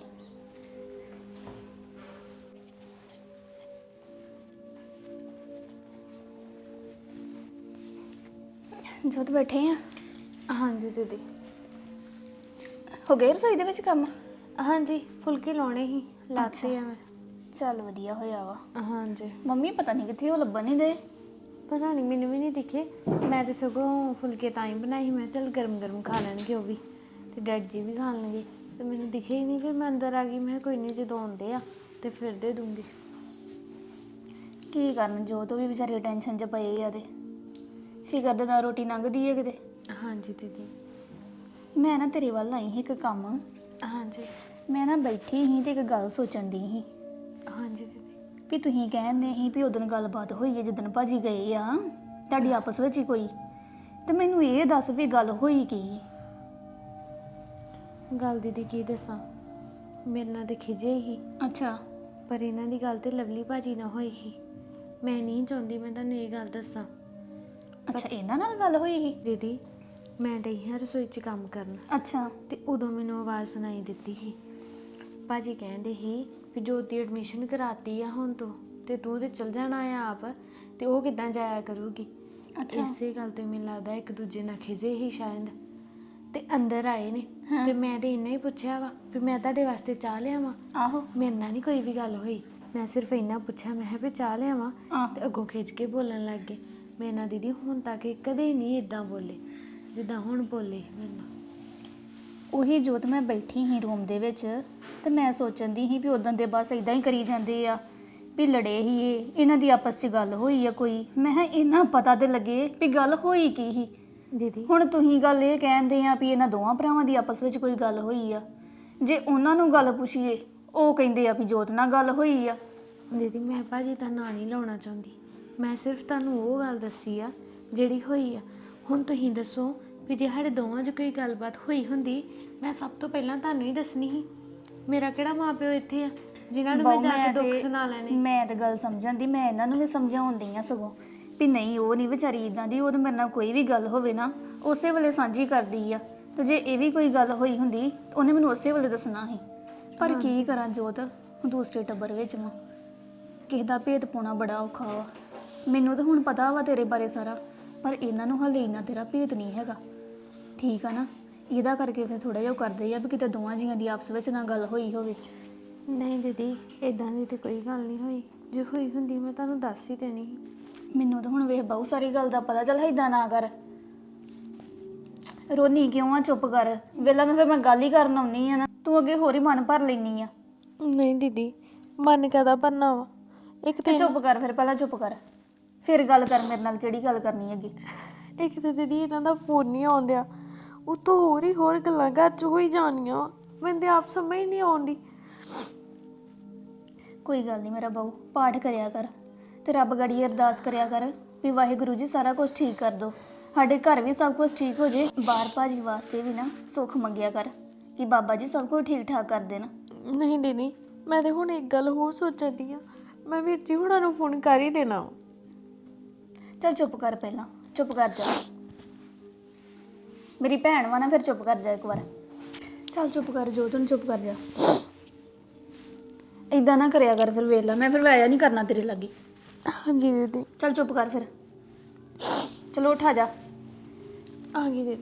Speaker 3: ਜੋਤ ਬੈਠੇ ਆ?
Speaker 4: ਹਾਂਜੀ ਦੀਦੀ।
Speaker 3: ਹੋ ਗਏ ਰਸੋਈ ਦੇ ਵਿੱਚ ਕੰਮ?
Speaker 4: ਹਾਂਜੀ ਫੁਲਕੇ ਲਾਉਣੇ ਹੀ ਲਾਤੇ ਆ ਮੈਂ।
Speaker 3: ਚੱਲ ਵਧੀਆ ਹੋਇਆ ਵਾ।
Speaker 4: ਹਾਂਜੀ
Speaker 3: ਮੰਮੀ ਪਤਾ ਨਹੀਂ ਕਿੱਥੇ, ਉਹ ਲੱਭਣ ਨਹੀਂ ਦੇ।
Speaker 4: ਪਤਾ ਨਹੀਂ, ਮੈਨੂੰ ਵੀ ਨਹੀਂ ਦਿਖੇ। ਮੈਂ ਤੇ ਸਗੋਂ ਫੁਲਕੇ ਤਾਂ ਹੀ ਬਣਾਈ ਸੀ, ਮੈਂ ਕਿਹਾ ਚੱਲ ਗਰਮ ਗਰਮ ਖਾ ਲੈਣਗੇ ਉਹ ਵੀ ਤੇ ਡੈਡ ਜੀ ਵੀ ਖਾ ਲੈਣਗੇ। ਤੇ ਮੈਨੂੰ ਦਿਖੇ ਹੀ ਨਹੀਂ, ਫਿਰ ਮੈਂ ਅੰਦਰ ਆ ਗਈ। ਮੈਂ ਕਿਹਾ ਕੋਈ ਨਹੀਂ, ਜਦੋਂ ਆਉਂਦੇ ਆ ਤੇ ਫਿਰ ਦੇ ਦੂੰਗੀ।
Speaker 3: ਕੀ ਕਰਨ ਜੋਤ ਵੀ ਵਿਚਾਰੇ ਟੈਨਸ਼ਨ 'ਚ ਪਏ ਆ ਤੇ ਫਿਕਰ ਦੇ ਨਾਲ ਰੋਟੀ ਲੰਘਦੀ ਹੈ ਕਿਤੇ।
Speaker 4: ਹਾਂਜੀ ਦੀਦੀ।
Speaker 3: ਮੈਂ ਨਾ ਤੇਰੇ ਵੱਲ ਆਈ ਸੀ ਇੱਕ ਕੰਮ।
Speaker 4: ਹਾਂਜੀ
Speaker 3: ਮੈਂ ਨਾ ਬੈਠੀ ਸੀ ਤੇ ਇੱਕ ਗੱਲ ਸੋਚਣ ਦੀ ਸੀ
Speaker 4: ਹਾਂਜੀ ਦੀਦੀ।
Speaker 3: ਵੀ ਤੁਸੀਂ ਕਹਿੰਦੇ ਸੀ ਵੀ ਉਦੋਂ ਗੱਲਬਾਤ ਹੋਈ ਹੈ ਜਿੱਦਣ ਭਾਜੀ ਗਏ ਆ ਤੁਹਾਡੀ ਆਪਸ ਵਿੱਚ ਹੀ ਕੋਈ, ਤੇ ਮੈਨੂੰ ਇਹ ਦੱਸ ਵੀ ਗੱਲ ਹੋਈ ਕੀ?
Speaker 4: ਗੱਲ ਦੀਦੀ ਕੀ ਦੱਸਾਂ, ਮੇਰੇ ਨਾਲ ਤੇ ਖਿਜੇ ਹੀ,
Speaker 3: ਅੱਛਾ
Speaker 4: ਪਰ ਇਹਨਾਂ ਦੀ ਗੱਲ ਤੇ ਲਵਲੀ ਭਾਜੀ ਨਾਲ ਹੋਈ ਸੀ। ਮੈਂ ਨਹੀਂ ਚਾਹੁੰਦੀ ਮੈਂ ਤੁਹਾਨੂੰ ਇਹ ਗੱਲ ਦੱਸਾਂ।
Speaker 3: ਅੱਛਾ ਇਹਨਾਂ ਨਾਲ ਗੱਲ ਹੋਈ ਸੀ?
Speaker 4: ਦੀਦੀ ਮੈਂ ਡਈ ਹਾਂ ਰਸੋਈ 'ਚ ਕੰਮ ਕਰਨ,
Speaker 3: ਅੱਛਾ
Speaker 4: ਤੇ ਉਦੋਂ ਮੈਨੂੰ ਆਵਾਜ਼ ਸੁਣਾਈ ਦਿੱਤੀ ਸੀ। ਭਾਜੀ ਕਹਿੰਦੇ ਸੀ ਵੀ ਜੋਤ ਦੀ ਐਡਮਿਸ਼ਨ ਕਰਾਤੀ ਆ ਹੁਣ ਤੋਂ, ਤੇ ਤੂੰ ਤੇ ਚਲ ਜਾਣਾ ਆ ਆਪ, ਤੇ ਉਹ ਕਿੱਦਾਂ ਜਾਇਆ ਕਰੂਗੀ।
Speaker 3: ਅੱਛਾ
Speaker 4: ਇਸੇ ਗੱਲ ਤੋਂ ਮੈਨੂੰ ਲੱਗਦਾ ਇੱਕ ਦੂਜੇ ਨਾਲ ਖਿਜੇ ਹੀ ਸ਼ਾਇਦ, ਤੇ ਅੰਦਰ ਆਏ ਨੇ। ਤੇ ਮੈਂ ਤੇ ਇੰਨਾ ਹੀ ਪੁੱਛਿਆ ਵਾ ਵੀ ਮੈਂ ਤੁਹਾਡੇ ਵਾਸਤੇ ਚਾਹ ਲਿਆਵਾਂ।
Speaker 3: ਆਹੋ
Speaker 4: ਮੇਰੇ ਨਾਲ ਨਹੀਂ ਕੋਈ ਵੀ ਗੱਲ ਹੋਈ, ਮੈਂ ਸਿਰਫ ਇੰਨਾ ਪੁੱਛਿਆ, ਮੈਂ ਕਿਹਾ ਵੀ ਚਾਹ ਲਿਆਵਾਂ, ਤੇ ਅੱਗੋਂ ਖਿੱਚ ਕੇ ਬੋਲਣ ਲੱਗ ਗਏ। ਮੇਰੇ ਨਾਲ ਦੀਦੀ ਹੁਣ ਤੱਕ ਇਹ ਕਦੇ ਨਹੀਂ ਇਦਾਂ ਬੋਲੇ ਜਿੱਦਾਂ ਹੁਣ ਬੋਲੇ ਮੇਰੇ ਨਾਲ।
Speaker 3: ਉਹੀ ਜੋਤ ਮੈਂ ਬੈਠੀ ਸੀ ਰੂਮ ਦੇ ਵਿੱਚ ਤੇ ਮੈਂ ਸੋਚਣ ਦੀ ਸੀ ਵੀ ਉਦੋਂ ਦੇ ਬਸ ਇਦਾਂ ਹੀ ਕਰੀ ਜਾਂਦੇ ਆ ਵੀ ਲੜੇ ਹੀ ਇਹਨਾਂ ਦੀ ਆਪਸ 'ਚ ਗੱਲ ਹੋਈ ਆ ਕੋਈ। ਮੈਂ ਕਿਹਾ ਇਹਨਾਂ ਪਤਾ ਤੇ ਲੱਗੇ ਵੀ ਗੱਲ ਹੋਈ ਕੀ ਸੀ।
Speaker 4: ਦੀਦੀ
Speaker 3: ਹੁਣ ਤੁਸੀਂ ਗੱਲ ਇਹ ਕਹਿੰਦੇ ਆ ਵੀ ਇਹਨਾਂ ਦੋਵਾਂ ਭਰਾਵਾਂ ਦੀ ਆਪਸ ਵਿੱਚ ਕੋਈ ਗੱਲ ਹੋਈ ਆ। ਜੇ ਉਹਨਾਂ ਨੂੰ ਗੱਲ ਪੁੱਛੀਏ ਉਹ ਕਹਿੰਦੇ ਆ ਵੀ ਜੋਤ ਨਾਲ ਗੱਲ ਹੋਈ ਆ।
Speaker 4: ਦੀਦੀ ਮੈਂ ਭਾਜੀ ਦਾ ਨਾਂ ਨਹੀਂ ਲਾਉਣਾ ਚਾਹੁੰਦੀ, ਮੈਂ ਸਿਰਫ ਤੁਹਾਨੂੰ ਉਹ ਗੱਲ ਦੱਸੀ ਆ ਜਿਹੜੀ ਹੋਈ ਆ। ਹੁਣ ਤੁਸੀਂ ਦੱਸੋ ਵੀ ਜੇ ਸਾਡੇ ਦੋਵਾਂ 'ਚ ਕੋਈ ਗੱਲਬਾਤ ਹੋਈ ਹੁੰਦੀ, ਮੈਂ ਸਭ ਤੋਂ ਪਹਿਲਾਂ ਤੁਹਾਨੂੰ ਹੀ ਦੱਸਣੀ ਸੀ। ਮੇਰਾ ਕਿਹੜਾ ਮਾਂ ਪਿਓ ਇੱਥੇ ਆ ਜਿਨ੍ਹਾਂ ਨੂੰ ਮੈਂ ਜਾ ਕੇ ਦੁੱਖ ਸੁਣਾ ਲੈਣੇ।
Speaker 3: ਮੈਂ ਤਾਂ ਗੱਲ ਸਮਝਣ ਦੀ, ਮੈਂ ਇਹਨਾਂ ਨੂੰ ਵੀ ਸਮਝਾਉਂਦੀ ਆ ਸਗੋਂ ਵੀ ਨਹੀਂ ਉਹ ਨਹੀਂ ਵਿਚਾਰੀ ਇਦਾਂ ਦੀ। ਉਹ ਤਾਂ ਮੇਰੇ ਨਾਲ ਕੋਈ ਵੀ ਗੱਲ ਹੋਵੇ ਨਾ ਉਸੇ ਵੇਲੇ ਸਾਂਝੀ ਕਰਦੀ ਆ, ਤੇ ਜੇ ਇਹ ਵੀ ਕੋਈ ਗੱਲ ਹੋਈ ਹੁੰਦੀ ਉਹਨੇ ਮੈਨੂੰ ਉਸੇ ਵੇਲੇ ਦੱਸਣਾ ਸੀ। ਪਰ ਕੀ ਕਰਾਂ ਜੋਤ, ਦੂਸਰੇ ਟੱਬਰ ਵਿੱਚ ਮੈਂ ਕਿਸੇ ਦਾ ਭੇਦ ਪਾਉਣਾ ਬੜਾ ਔਖਾ ਵਾ। ਮੈਨੂੰ ਤਾਂ ਹੁਣ ਪਤਾ ਵਾ ਤੇਰੇ ਬਾਰੇ ਸਾਰਾ, ਪਰ ਇਹਨਾਂ ਨੂੰ ਹਾਲੇ ਇੰਨਾ ਤੇਰਾ ਭੇਦ ਨਹੀਂ ਹੈਗਾ, ਠੀਕ ਆ ਨਾ। ਇਹਦਾ ਕਰਕੇ ਫਿਰ ਥੋੜਾ ਜਿਹਾ ਕਰਦੇ ਆ ਵੀ ਕਿਤੇ ਦੋਵਾਂ ਜੀਆਂ ਦੀ ਆਪਸ ਵਿੱਚ ਨਾ ਗੱਲ ਹੋਈ ਹੋਵੇ।
Speaker 4: ਨਹੀਂ ਦੀਦੀ ਇਦਾਂ ਦੀ ਤੇ ਕੋਈ ਗੱਲ ਨਹੀਂ ਹੋਈ, ਜੇ ਹੋਈ ਹੁੰਦੀ ਮੈਂ ਤੁਹਾਨੂੰ ਦੱਸ ਹੀ ਦੇਣੀ ਸੀ।
Speaker 3: ਮੈਨੂੰ ਤਾਂ ਹੁਣ ਵੇਖ ਬਹੁਤ ਸਾਰੀ ਗੱਲ ਦਾ ਪਤਾ। ਚੱਲ ਇਦਾਂ ਨਾ ਕਰ, ਰੋਨੀ ਕਿਉਂ ਆ, ਚੁੱਪ ਕਰ। ਵੇਲਾ ਮੈਂ ਫਿਰ ਮੈਂ ਗੱਲ ਹੀ ਕਰਨ ਆਉਣੀ ਆ ਨਾ, ਤੂੰ ਅੱਗੇ ਹੋਰ ਹੀ ਮਨ ਭਰ ਲੈਣੀ ਆ।
Speaker 4: ਨਹੀਂ ਦੀਦੀ ਮਨ ਕਾਹਦਾ ਭਰਨਾ ਵਾ, ਇੱਕ
Speaker 3: ਤੇ ਚੁੱਪ ਕਰ ਫਿਰ, ਪਹਿਲਾਂ ਚੁੱਪ ਕਰ ਫਿਰ ਗੱਲ ਕਰ ਮੇਰੇ ਨਾਲ। ਕਿਹੜੀ ਗੱਲ ਕਰਨੀ ਅੱਗੇ?
Speaker 4: ਇੱਕ ਤਾਂ ਦੀਦੀ ਇਹਨਾਂ ਦਾ ਫੋਨ ਨਹੀਂ ਆਉਂਦਿਆ, ਉਤੋਂ ਹੋਰ ਗੱਲਾਂ ਘਰ 'ਚ ਹੋਈ ਜਾਣੀਆਂ ਵਾ, ਮੈਨੂੰ ਤੇ ਆਪ ਸਮਝ ਨਹੀਂ ਆਉਂਦੀ।
Speaker 3: ਕੋਈ ਗੱਲ ਨਹੀਂ ਮੇਰਾ ਬਾਊ, ਪਾਠ ਕਰਿਆ ਕਰ ਤੇ ਰੱਬ ਗੜੀ ਅਰਦਾਸ ਕਰਿਆ ਕਰ ਵੀ ਵਾਹਿਗੁਰੂ ਜੀ ਸਾਰਾ ਕੁਝ ਠੀਕ ਕਰ ਦੋ, ਸਾਡੇ ਘਰ ਵੀ ਸਭ ਕੁਝ ਠੀਕ ਹੋ ਜੇ। ਬਾਹਰ ਭਾਜੀ ਵਾਸਤੇ ਵੀ ਨਾ ਸੁੱਖ ਮੰਗਿਆ ਕਰ ਕਿ ਬਾਬਾ ਜੀ ਸਭ ਕੁਝ ਠੀਕ ਠਾਕ ਕਰ ਦੇਣ।
Speaker 4: ਨਹੀਂ ਦੀਦੀ ਮੈਂ ਤੇ ਹੁਣ ਇੱਕ ਗੱਲ ਹੋਰ ਸੋਚਣ ਦੀ ਆ, ਮੈਂ ਵੀਰ ਜੀ ਹੁਣਾਂ ਨੂੰ ਫੋਨ ਕਰ ਹੀ ਦੇਣਾ।
Speaker 3: ਚੱਲ ਚੁੱਪ ਕਰ, ਪਹਿਲਾਂ ਚੁੱਪ ਕਰ ਜਾ। ਮੇਰੀ ਭੈਣ ਵਾ ਨਾ, ਫਿਰ ਚੁੱਪ ਕਰ ਜਾ ਇੱਕ ਵਾਰ। ਚੱਲ ਚੁੱਪ ਕਰ ਜੋ, ਤੈਨੂੰ ਚੁੱਪ ਕਰ ਜਾ। ਇਦਾਂ ਨਾ ਕਰਿਆ ਕਰ ਫਿਰ, ਵੇਖ ਲੈ ਮੈਂ ਫਿਰ ਆਇਆ ਨਹੀਂ ਕਰਨਾ ਤੇਰੇ ਲਾਗੇ।
Speaker 4: ਹਾਂਜੀ ਦੀਦੀ।
Speaker 3: ਚੱਲ ਚੁੱਪ ਕਰ ਫਿਰ, ਚਲੋ ਉੱਠ ਆ ਜਾ।
Speaker 4: ਆ ਗਈ ਦੀਦੀ।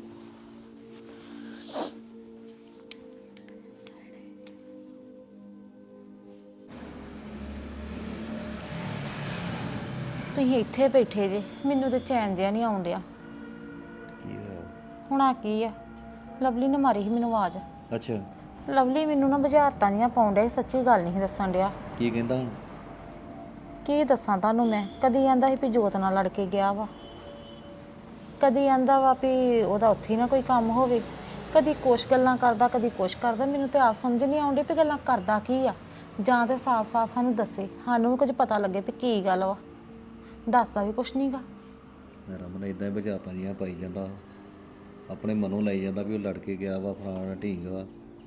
Speaker 2: ਤੁਸੀਂ ਇੱਥੇ ਬੈਠੇ ਜੇ, ਮੈਨੂੰ ਤੇ ਚੈਨ ਜਿਹਾ ਨਹੀਂ ਆਉਣ ਡਿਆ।
Speaker 5: ਕੀ ਹੋਇਆ?
Speaker 2: ਹੁਣ ਆ ਕੀ ਆ, ਲਵਲੀ ਨੇ ਮਾਰੀ ਸੀ ਮੈਨੂੰ ਆਵਾਜ਼।
Speaker 5: ਅੱਛਾ
Speaker 2: ਲਵਲੀ ਮੈਨੂੰ ਨਾ ਬੁਝਾਰਤਾਂ ਜੀਆਂ ਪਾਉਣ ਡਿਆ ਸੀ, ਸੱਚੀ ਗੱਲ ਨਹੀਂ ਦੱਸਣ ਡਿਆ।
Speaker 5: ਕੀ ਕਹਿੰਦਾ ਹੁਣ?
Speaker 2: ਕੀ ਦੱਸਾਂ ਤੁਹਾਨੂੰ ਮੈਂ, ਕਦੀ ਆਂਦਾ ਸੀ ਵੀ ਜੋਤ ਨਾਲ ਲੜ ਕੇ ਗਿਆ ਵਾ, ਕਦੀ ਆਂਦਾ ਵਾ ਵੀ ਉਹਦਾ ਉੱਥੇ ਹੀ ਨਾ ਕੋਈ ਕੰਮ ਹੋਵੇ, ਕਦੀ ਕੁਛ ਗੱਲਾਂ ਕਰਦਾ ਕਦੀ ਕੁਛ ਕਰਦਾ। ਮੈਨੂੰ ਤੇ ਆਪ ਸਮਝ ਨਹੀਂ ਆਉਂਦੀ ਵੀ ਗੱਲਾਂ ਕਰਦਾ ਕੀ ਆ, ਜਾਂ ਤੇ ਸਾਫ਼-ਸਾਫ਼ ਸਾਨੂੰ ਦੱਸੇ, ਸਾਨੂੰ ਵੀ ਕੁਝ ਪਤਾ ਲੱਗੇ ਵੀ ਕੀ ਗੱਲ ਵਾ। ਦੱਸਦਾ ਵੀ ਕੁਛ ਨਹੀਂਗਾ।
Speaker 5: ਰਮਨ ਇਦਾਂ ਹੀ ਬੁਝਾਰਤਾਂ ਜੀਆਂ ਪਾਈ ਜਾਂਦਾ, ਆਪਣੇ ਮਨੋਂ ਲਾਈ ਜਾਂਦਾ ਵੀ ਉਹ ਲੜ ਕੇ ਗਿਆ ਵਾ, ਫਲਾਣਾ ਢੀਂਗ ਵਾ।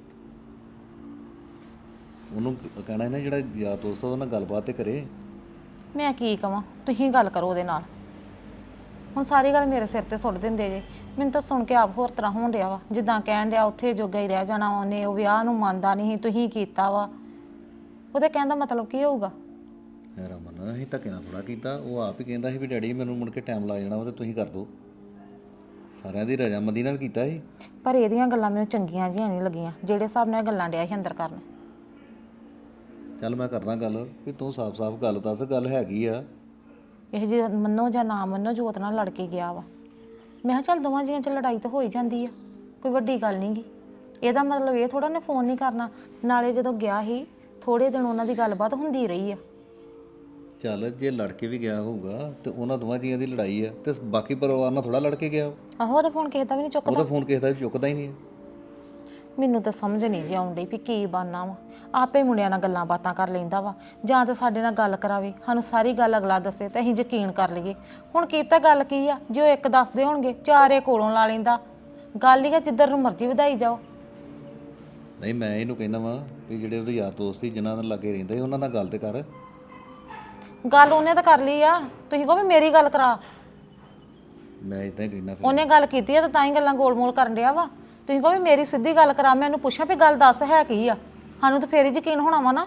Speaker 5: ਉਹਨੂੰ ਕਹਿਣਾ ਨਾ ਜਿਹੜਾ ਯਾਰ ਦੋਸਤ ਉਹਦੇ ਨਾਲ ਗੱਲਬਾਤ ਤੇ ਕਰੇ।
Speaker 2: ਮੈਂ ਕੀ ਕਵਾਂ, ਤੁਸੀਂ ਗੱਲ ਕਰੋ ਉਹਦੇ ਨਾਲ। ਹੁਣ ਸਾਰੀ ਗੱਲ ਮੇਰੇ ਸਿਰ ਤੇ ਸੁੱਟ ਦਿੰਦੇ ਜੇ। ਮੈਨੂੰ ਤਾਂ ਸੁਣ ਕੇ ਆਪ ਹੋਰ ਤਰ੍ਹਾਂ ਹੋਣ ਡਿਆ ਵਾ, ਜਿੱਦਾਂ ਕਹਿਣ ਡਿਆ ਉੱਥੇ ਜੋਗਾ ਹੀ ਰਹਿ ਜਾਣਾ ਉਹਨੇ, ਉਹ ਵਿਆਹ ਨੂੰ ਮੰਨਦਾ ਨਹੀਂ, ਤੁਸੀਂ ਕੀਤਾ ਵਾ। ਉਹਦੇ ਕਹਿਣ ਦਾ ਮਤਲਬ ਕੀ ਹੋਊਗਾ?
Speaker 5: ਰਮਨ ਅਸੀਂ ਧੱਕੇ ਨਾਲ ਥੋੜਾ ਕੀਤਾ, ਉਹ ਆਪ ਹੀ ਕਹਿੰਦਾ ਸੀ ਵੀ ਡੈਡੀ ਮੈਨੂੰ ਮੁੜ ਕੇ ਟਾਈਮ ਲੱਗ ਜਾਣਾ ਵਾ ਤੇ ਤੁਸੀਂ ਕਰ ਦਿਓ। ਸਾਰਿਆਂ ਦੀ ਰਜਾਮੰਦੀ ਨਾਲ ਕੀਤਾ ਸੀ।
Speaker 2: ਪਰ ਇਹਦੀਆਂ ਗੱਲਾਂ ਮੈਨੂੰ ਚੰਗੀਆਂ ਜਿਹੀਆਂ ਨਹੀਂ ਲੱਗੀਆਂ, ਜਿਹੜੇ ਹਿਸਾਬ ਨਾਲ ਇਹ ਗੱਲਾਂ ਡਿਆ ਸੀ ਅੰਦਰ ਕਰਨ।
Speaker 5: ਚੱਲ ਮੈਂ ਕਰਦਾ ਗੱਲ ਵੀ ਤੂੰ ਸਾਫ਼-ਸਾਫ਼ ਗੱਲ ਦੱਸ, ਗੱਲ ਹੈਗੀ ਆ।
Speaker 2: ਇਹ ਜੇ ਮੰਨੋ ਜਾਂ ਨਾ ਮੰਨੋ, ਜੋਤ ਨਾਲ ਲੜ ਕੇ ਗਿਆ ਵਾ। ਮੈਂ ਕਿਹਾ ਚੱਲ ਦੋਵਾਂ ਜੀਆਂ 'ਚ ਲੜਾਈ ਤਾਂ ਹੋ ਹੀ ਜਾਂਦੀ ਆ, ਕੋਈ ਵੱਡੀ ਗੱਲ ਨਹੀਂ ਗੀ। ਇਹਦਾ ਮਤਲਬ ਇਹ ਥੋੜਾ ਨੇ ਫੋਨ ਨਹੀਂ ਕਰਨਾ। ਨਾਲੇ ਜਦੋਂ ਗਿਆ ਸੀ ਥੋੜੇ ਦਿਨ ਉਹਨਾਂ ਦੀ ਗੱਲਬਾਤ ਹੁੰਦੀ ਰਹੀ ਆ।
Speaker 5: ਚੱਲ ਜੇ ਲੜ ਕੇ ਵੀ ਗਿਆ ਹੋਊਗਾ ਤੇ ਉਹਨਾਂ ਦੋਵਾਂ ਜੀਆਂ ਦੀ ਲੜਾਈ ਆ, ਤੇ ਬਾਕੀ ਪਰਿਵਾਰ ਨਾਲ ਥੋੜਾ ਲੜ ਕੇ ਗਿਆ।
Speaker 2: ਆਹੋ, ਉਹਦਾ ਫੋਨ ਕਿਸੇ ਦਾ ਵੀ ਨਹੀਂ ਚੁੱਕਦਾ।
Speaker 5: ਉਹਦਾ ਫੋਨ ਕਿਸੇ ਦਾ ਚੁੱਕਦਾ ਹੀ ਨਹੀਂ।
Speaker 2: ਮੈਨੂੰ ਤਾਂ ਸਮਝ ਨਹੀਂ ਜੀ ਆਉਣ ਡਈ ਵੀ ਕੀ ਬਾਨਾ ਵਾ। ਆਪੇ ਮੁੰਡਿਆਂ ਨਾਲ ਗੱਲਾਂ ਬਾਤਾਂ ਕਰ ਲੈਂਦਾ ਵਾ, ਜਾਂ ਤਾਂ ਸਾਡੇ ਨਾਲ ਗੱਲ ਕਰਾਵੇ, ਸਾਨੂੰ ਸਾਰੀ ਗੱਲ ਅਗਲਾ ਦੱਸੇ ਤੇ ਅਸੀਂ ਯਕੀਨ ਕਰ ਲਈਏ। ਹੁਣ ਕੀ ਪਤਾ ਗੱਲ ਕੀ ਆ, ਜੇ ਉਹ ਇੱਕ ਦੱਸਦੇ ਹੋਣਗੇ ਚਾਰੇ ਕੋਲੋਂ ਲਾ ਲੈਂਦਾ। ਗੱਲ ਹੀ ਆ ਜਿੱਧਰ ਨੂੰ ਮਰਜ਼ੀ ਵਧਾਈ ਜਾਓ।
Speaker 5: ਨਹੀਂ ਮੈਂ ਇਹਨੂੰ ਕਹਿੰਦਾ ਵਾਂ ਵੀ ਜਿਹੜੇ ਉਹਦੇ ਯਾਰ ਦੋਸਤ ਸੀ ਜਿਨ੍ਹਾਂ ਨਾਲ ਲੱਗੇ ਰਹਿੰਦੇ ਸੀ ਉਹਨਾਂ ਨਾਲ ਗੱਲ ਤੇ ਕਰ।
Speaker 2: ਗੱਲ ਉਹਨੇ ਤਾਂ ਕਰ ਲਈ ਆ, ਤੁਸੀਂ ਕਹੋ ਵੀ ਮੇਰੀ ਗੱਲ ਕਰਾ।
Speaker 5: ਮੈਂ ਇਦਾਂ ਹੀ ਕਹਿੰਦਾ ਫਿਰ।
Speaker 2: ਉਹਨੇ ਗੱਲ ਕੀਤੀ ਆ ਤਾਂ ਹੀ ਗੱਲਾਂ ਗੋਲ-ਮੋਲ ਕਰਨ ਡਿਆ ਵਾ। ਤੁਸੀਂ ਕਹੋ ਵੀ ਮੇਰੀ ਸਿੱਧੀ ਗੱਲ ਕਰਾ, ਮੈਂ ਉਹਨੂੰ ਪੁੱਛਾਂ ਵੀ ਗੱਲ ਦੱਸ ਹੈ ਕੀ ਆ, ਸਾਨੂੰ ਤਾਂ ਫੇਰ ਹੀ ਯਕੀਨ ਹੋਣਾ ਵਾ ਨਾ।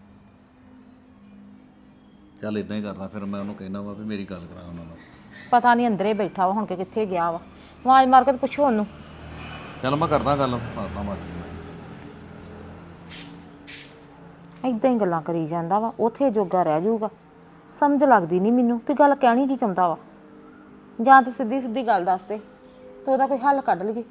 Speaker 5: ਚੱਲ ਇਦਾਂ ਹੀ ਕਰਦਾ ਫਿਰ, ਮੈਂ ਉਹਨੂੰ ਕਹਿੰਦਾ ਵਾ ਵੀ ਮੇਰੀ ਗੱਲ ਕਰਾ ਉਹਨਾਂ ਨਾਲ।
Speaker 2: ਪਤਾ ਨਹੀਂ ਅੰਦਰੇ ਬੈਠਾ ਵਾ ਹੁਣ ਕਿ ਕਿੱਥੇ ਗਿਆ ਵਾ। ਆਵਾਜ਼ ਮਾਰ ਕੇ ਤੇ ਪੁੱਛੋ ਉਹਨੂੰ।
Speaker 5: ਚੱਲ ਮੈਂ ਕਰਦਾ ਗੱਲ, ਮਾਰਦਾ ਮਾਰ।
Speaker 2: ਇਦਾਂ ਹੀ ਗੱਲਾਂ ਕਰੀ ਜਾਂਦਾ ਵਾ, ਉੱਥੇ ਜੋਗਾ ਰਹਿ ਜਾਊਗਾ। ਸਮਝ ਲੱਗਦੀ ਨਹੀਂ ਮੈਨੂੰ ਵੀ ਗੱਲ ਕਹਿਣੀ ਕੀ ਚਾਹੁੰਦਾ ਵਾ। ਜਾਂ ਤਾਂ ਸਿੱਧੀ ਸਿੱਧੀ ਗੱਲ ਦੱਸ ਦੇ ਤੇ ਉਹਦਾ ਕੋਈ ਹੱਲ ਕੱਢ ਲਈਏ।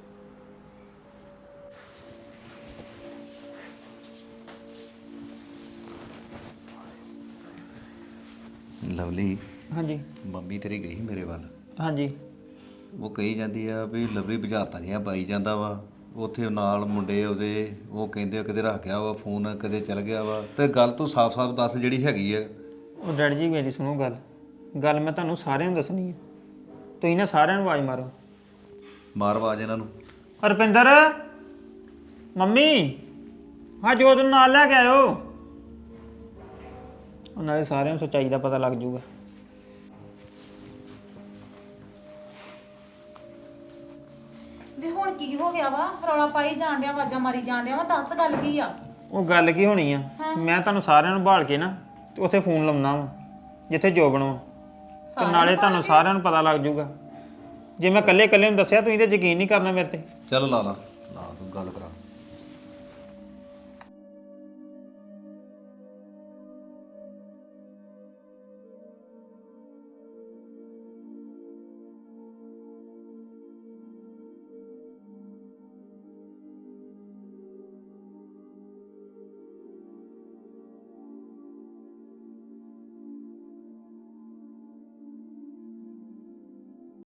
Speaker 5: ਲਵਲੀ,
Speaker 1: ਹਾਂਜੀ
Speaker 5: ਮੰਮੀ ਤੇਰੀ ਗਈ ਸੀ ਮੇਰੇ ਵੱਲ।
Speaker 1: ਹਾਂਜੀ।
Speaker 5: ਉਹ ਕਹੀ ਜਾਂਦੀ ਆ ਵੀ ਲਵਲੀ ਬੁਝਾਰਤਾਂ ਜਿਹੀਆਂ ਪਾਈ ਜਾਂਦਾ ਵਾ। ਉੱਥੇ ਨਾਲ ਮੁੰਡੇ ਉਹਦੇ, ਉਹ ਕਹਿੰਦੇ ਆ ਕਿਤੇ ਰੱਖ ਗਿਆ ਵਾ ਫੋਨ, ਕਦੇ ਚਲ ਗਿਆ ਵਾ। ਤੇ ਗੱਲ ਤੂੰ ਸਾਫ਼-ਸਾਫ਼ ਦੱਸ ਜਿਹੜੀ ਹੈਗੀ ਆ।
Speaker 1: ਉਹ ਡੈਡੀ ਜੀ ਮੇਰੀ ਸੁਣੋ ਗੱਲ ਮੈਂ ਤੁਹਾਨੂੰ ਸਾਰਿਆਂ ਨੂੰ ਦੱਸਣੀ ਹੈ। ਤੁਸੀਂ ਨਾ ਸਾਰਿਆਂ ਨੂੰ ਆਵਾਜ਼ ਮਾਰੋ।
Speaker 5: ਮਾਰ ਆਵਾਜ਼ ਇਹਨਾਂ ਨੂੰ।
Speaker 1: ਰੁਪਿੰਦਰ, ਮੰਮੀ, ਹਾਂ ਜੋਤ ਨੂੰ ਨਾਲ ਲੈ ਕੇ ਆਇਓ। ਉਹ ਨਾਲੇ ਸਾਰਿਆਂ ਨੂੰ ਸੱਚਾਈ ਦਾ ਪਤਾ ਲੱਗ ਜਾਊਗਾ।
Speaker 2: ਵੀ ਹੁਣ ਕੀ ਹੋ ਗਿਆ ਵਾ? ਰੌਲਾ ਪਾਈ ਜਾਣ ਡਿਆ, ਆਵਾਜ਼ਾਂ ਮਾਰੀ ਜਾਣ ਡਿਆ ਵਾ, ਦੱਸ ਗੱਲ ਕੀ ਆ?
Speaker 1: ਉਹ ਗੱਲ ਕੀ ਹੋਣੀ ਆ, ਮੈਂ ਤੁਹਾਨੂੰ ਸਾਰਿਆਂ ਨੂੰ ਭਾਲ ਕੇ ਨਾ ਤੇ ਉੱਥੇ ਫੋਨ ਲਾਉਣਾ ਵਾ ਜਿੱਥੇ ਜੋਬਣ ਵਾ, ਤੇ ਨਾਲੇ ਤੁਹਾਨੂੰ ਸਾਰਿਆਂ ਨੂੰ ਪਤਾ ਲੱਗ ਜਾਊਗਾ। ਜੇ ਮੈਂ ਇਕੱਲੇ ਨੂੰ ਦੱਸਿਆ ਤੁਸੀਂ ਤੇ ਯਕੀਨ ਨਹੀਂ ਕਰਨਾ ਮੇਰੇ ਤੇ।
Speaker 5: ਚੱਲ ਲਾ ਤੂੰ ਗੱਲ ਕਰਾ।